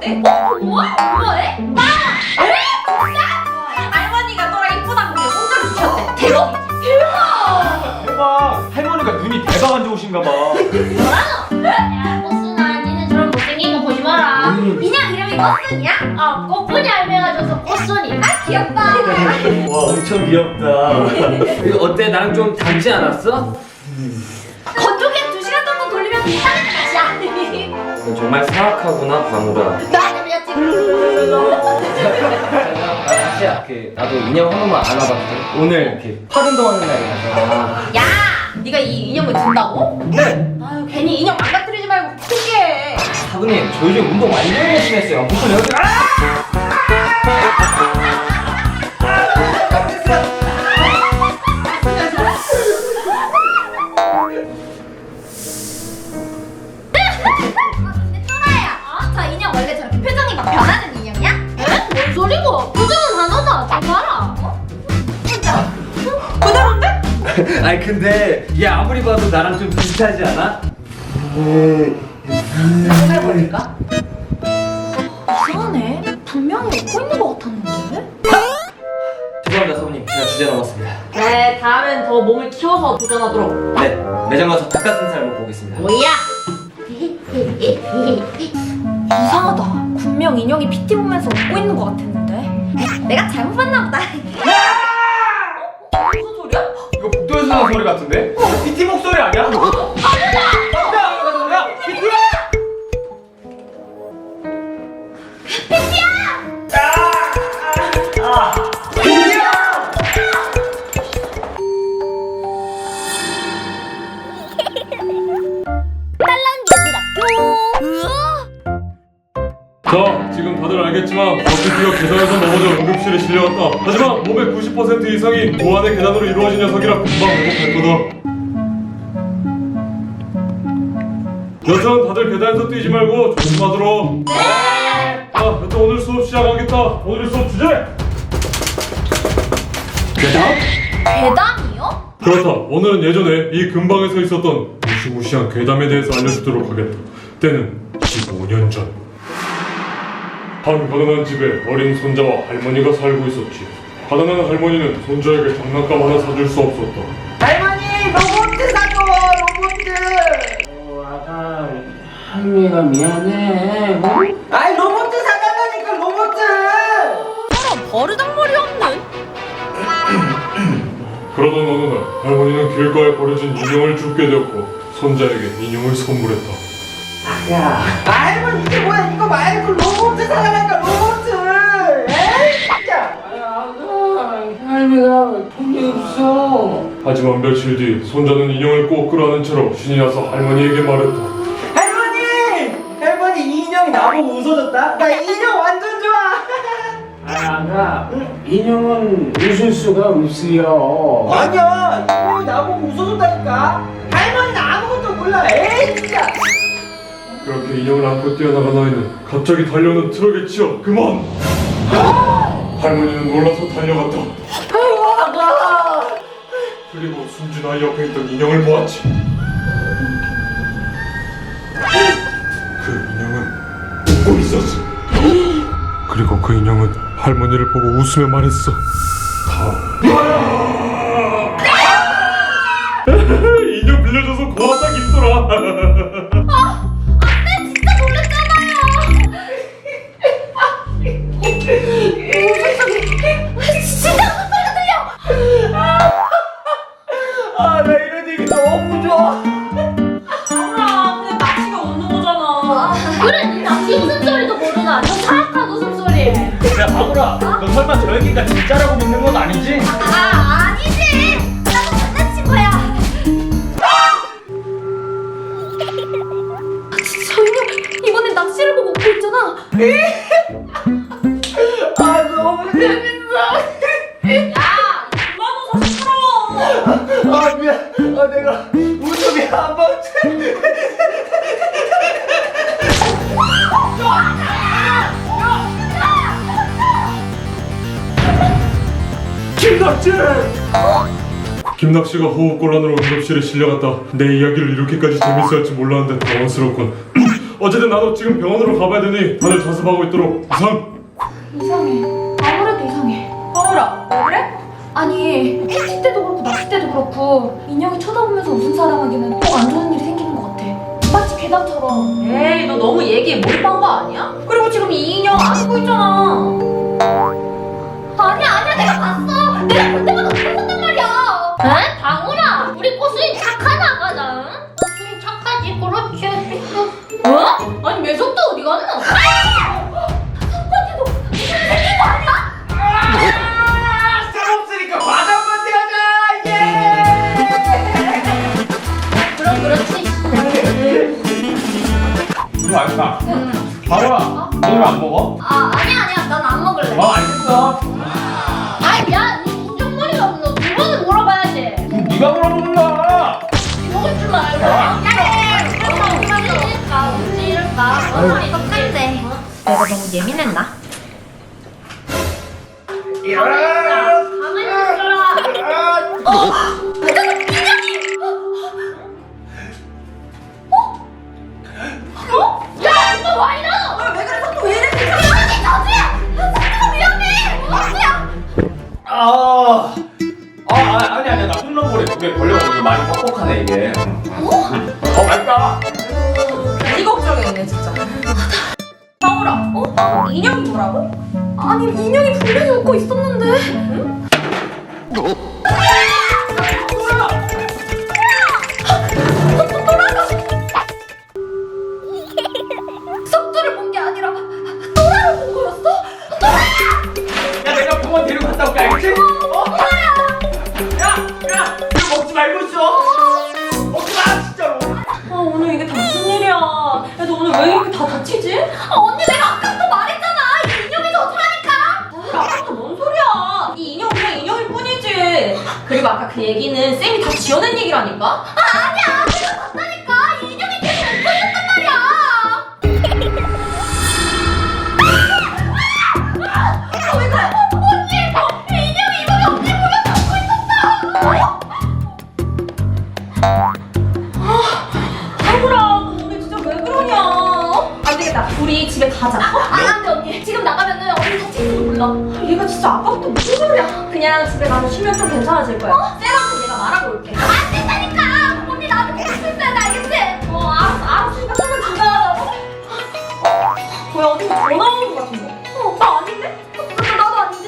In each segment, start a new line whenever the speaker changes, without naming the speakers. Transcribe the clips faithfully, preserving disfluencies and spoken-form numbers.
어때? 어? 뭐야? 뭐래? 나! 에? 진짜? 할머니가 너랑 이쁘다고 내 공짜로 주셨대. 대박이지? 대박!
대박! 할머니가 눈이 대박 안 좋으신가 봐.
뭐라노? 야, 꽃순아, 니는 저런 못생긴 거 보지 마라.
음.
인형 이름이 꽃순이야? 어, 꽃분이 알매가줘서 꽃순이. 아, 귀엽다.
와, 엄청 귀엽다.
이거 어때? 나랑 좀 닮지 않았어?
건조기에 두 시간 정도 돌리면 비슷하게 맛이야.
너 정말 사악하구나, 광우라.
나는 그냥 지금.
다시야, 그 나도 인형 한 번만 안아봤거든. 오늘 그 팔운동하는 날이라서.
야, 네가 이 인형을 든다고?
네.
아유, 괜히 인형 망가뜨리지 말고 크게.
사부님, 저 요즘 운동 완전 열심히 했어요. 무슨 여기 아!
근데 또라야, 어? 저 인형 원래 저렇게 표정이 막 변하는 인형이야? 에? 뭔 소리고? 표정은 하나다. 좀 봐라. 어? 진짜? 그대로인데?
아니 근데 얘 아무리 봐도 나랑 좀 비슷하지 않아?
해볼까? 이상하네. 분명히 웃고 있는 것 같았는데?
죄송합니다 사부님, 제가 주제 넘었습니다.
네, 다음엔 더 몸을 키워서 도전하도록.
네, 매장 가서 닭가슴살 먹고 오겠습니다.
뭐야? 이상하다. 분명 인형이 피티 보면서 웃고 있는 것 같았는데. 내가 잘못 봤나 보다. 어? 무슨 소리야?
이거 복도에서 나는 소리 같은데? 피티 목소리 아니야? 야, 피티야!
자, 지금 다들 알겠지만 버티기가 계단에서 넘어져 응급실에 실려왔다. 하지만 몸의 구십 퍼센트 이상이 무한의 계단으로 이루어진 녀석이라 금방 회복할 거다. 여튼 다들 계단에서 뛰지 말고 조심하도록. 네! 자, 여튼 오늘 수업 시작하겠다. 오늘 수업 주제!
계단?
괴담이요?
그렇다. 오늘은 예전에 이 근방에서 있었던 무시무시한 괴담에 대해서 알려주도록 하겠다. 때는 십오 년 전. 한 가난한 집에 어린 손자와 할머니가 살고 있었지. 가난한 할머니는 손자에게 장난감 하나 사줄 수 없었다.
할머니 로봇 사줘 로봇.
어, 아가 할미가 미안해. 어?
아이 로봇 사달라니까 로봇.
사람 버르장머리 없는?
그러던 어느 날 할머니는 길가에 버려진 인형을 줍게 되었고 손자에게 인형을 선물했다.
야 할머니 이게 뭐야 이거 말고 로봇 사달라니까 로봇. 에이 진짜.
아가 할미가 돈이 없어.
하지만 며칠 뒤 손자는 인형을 꼭 끌어안은 채로 신이 나서 할머니에게 말했다.
할머니 할머니 이 인형이 나보고 웃어줬다. 나 이 인형 완전 좋아.
아가 인형은 웃을 수가 없어요.
아니야 인형이 나보고 웃어줬다니까. 할머니는 아무것도 몰라. 에이 진짜.
그렇게 인형을 안고 뛰어나간 아이는 갑자기 달려오는 트럭에 치여 그만! 할머니는 놀라서 달려갔다. 그리고 숨진 아이 옆에 있던 인형을 보았지. 그 인형은 웃고 있었어. 그리고 그 인형은 할머니를 보고 웃으며 말했어. 인형 빌려줘서 고맙다 김소라.
진짜 놀랐잖아요. 진짜 소리가 들려.
아 나 이런 얘기 너무 좋아.
아, 근데 낚시가 웃는 거잖아. 그래, 니 낚시 웃음소리도 모르나? 저 사악한 웃음소리.
야, 바보라! 너 설마 저 얘기가 진짜라고 믿는 건 아니지?
아, 아니지. 나도 장난친 거야. 저 인형 이번엔 낚시를 보고 웃고 있잖아.
아 너무 재밌어.
야, 그만 웃어 시끄러워.
아 미안. 아 내가 웃음이 한 번쯤.
김낙지! 김낙지가 호흡곤란으로 응급실에 실려갔다. 내 이야기를 이렇게까지 재밌어 할지 몰랐는데 당황스럽군. 어쨌든 나도 지금 병원으로 가봐야 되니 다들 자습하고 있도록 이상.
이상해. 아무래도 이상해. 바울아, 왜 그래? 아니, 피티 때도 그렇고 낚시 때도 그렇고 인형이 쳐다보면서 웃은 사람에게는 꼭 안 좋은 일이 생기는 것 같아. 마치 괴담처럼. 에이, 너 너무 얘기에 몰입한 거 아니야? 그리고 지금 이 인형 안고 있잖아. 아니야, 아니야, 내가 봤어. 내가 볼 때마다 그랬었단 말이야. 에? 방울아, 우리 꼬순이 착한 아가다. 응? 꼬순이 착하지, 그렇지. 어? 아니, 매석도 어디 갔나? 석관이도 무슨 생긴 거 아니야?
쓸없으니까 과자 한번 하자. 예.
그럼 그렇지.
이거 알까? 방울아, 너 왜 안 먹어?
아, 아니야, 아니야. 난 안 먹을래.
어, 알겠어.
아이, 야, 니 인정머리가 없노. 두 번은 물어봐야지.
그럼 네가 물어보는 거야.
먹을 줄 알고.
아.
얼마나 웃질까, 웃질까. 얼마나 똑같대. 내가 너무 예민했나? 가만히 있어라. 어? 회장님, 인형이! 어? 어? 야, 이거 와 이러! 왜 그래? 속도 왜 이래? 위험해, 저주야! 속도가 위험해! 저주야!
아, 아, 아 아니 아니야 나 홈런볼에 두 개 걸려가지고 많이 뻑뻑하네 이게. 어, 말까?
이 걱정이네 진짜. 방울아, 어? 인형이 뭐라고? 아니 인형이 분명히 웃고 있었는데. 응? 속도 돌아가. 속도를 본 게 아니라 또라를 본 거였어? 또라!
야 내가 병원 데리고 갔다 올게 알겠지? 어? 야, 야, 이거 먹지 말고 있어. 먹지 마 진짜로.
아 오늘 이게 다 무슨 일이야? 야 너 오늘 왜 이렇게 다 다치지?
아, 언니 내가 아까부터 말했잖아. 이 인형이 좋다니까.
아 아까부터 뭔 소리야? 이 인형 그냥 인형일 뿐이지. 그리고 아까 그 얘기는 쌤이 다 지어낸 얘기라니까?
아, 아니야. 내가 봤다니까. 이 인형이 계속 웃고 있었단 말이야. 아, 왜 그래? 언니! 이 인형이 이번에 언니 보면서 웃고 있었어!
아구라 너 오늘 진짜 왜 그러냐? 어? 안 되겠다. 우리 집에 가자. 어?
아, 안 돼, 언니. 지금 나가면은 언니 다칠지도 몰라.
얘가 진짜 아까부터 무슨 소리야? 그냥 집에 가서 쉬면 좀 괜찮아질 거야. 쌤한테 내가 말하고 올게.
안 된다니까! 언니 나한테 보고 있어야 돼, 알겠지?
어 알았어 알았으니까 조금 지나가자고. 뭐야 어디 전화 오는 거 같은데? 어, 나 아닌데?
나, 나도 아닌데?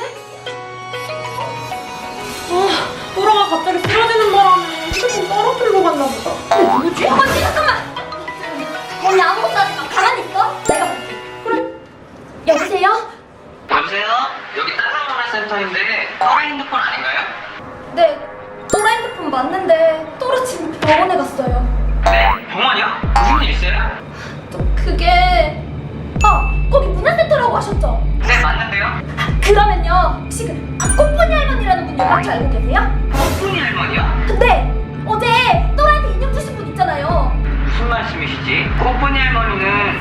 아, 또라가 갑자기 쓰러지는 바람에 휴대폰 떨어뜨리고 갔나 보다.
근데 누구지? 언니 잠깐만! 언니 아무것도 하지 마. 가만히 있어. 내가 볼게. 그래. 여보세요?
여보세요? 여기 따사문화센터인데 또라 핸드폰 아닌가요?
네. 또라 핸드폰 맞는데 또라 지금 병원에 갔어요.
네? 병원이요? 무슨 일 있어요?
또 그게 아 거기 문화센터라고 하셨죠?
네 맞는데요?
아, 그러면요 혹시 그 아, 꽃보니 할머니라는 분 연락처 알고 계세요?
꽃분이 할머니요?
네 어제 또라한테 인형 주신 분 있잖아요.
무슨 말씀이시지? 꽃분이 할머니는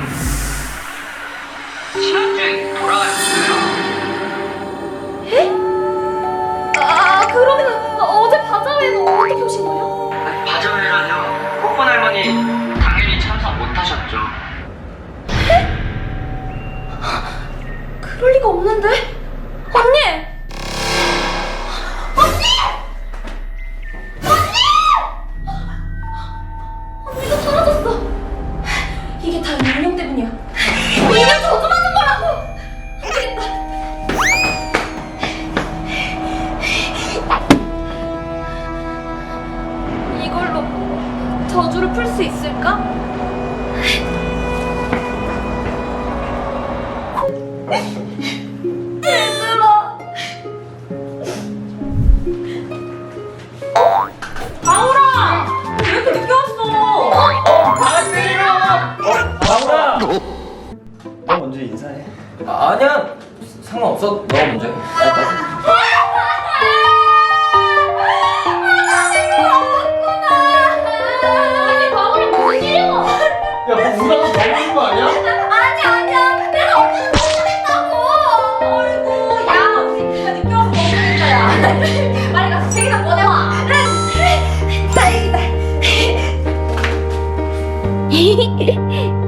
지난주에 돌아가셨어요.
에? 아 그러면 어제 바자회는 어떻게 오신 거예요?
아니, 바자회라뇨. 꽃분 할머니 당연히 참석 못하셨죠.
그럴 리가 없는데 언니! 언니! 언니! 언니가 사라졌어. 이게 다 인형 때문이야. 인형 저주 받는 거라고. 안 되겠다. 이걸로 저주를 풀 수 있을까? 얘들아.
바울아! 왜 이렇게 늦게 왔어?
방울아.
너 먼저 인사해. 아, 아니야 상관없어. 너가 먼저 해.
아니 바울이 무슨 일이야?
야뭐 우다가 먹는 거 아니야?
아니 아니야 내가 언니를 걱정했다고.
아이고 야 우리 네가 늦게 와서 걱정했다 야.
빨리 가서 책이나 꺼내와. 다행이다.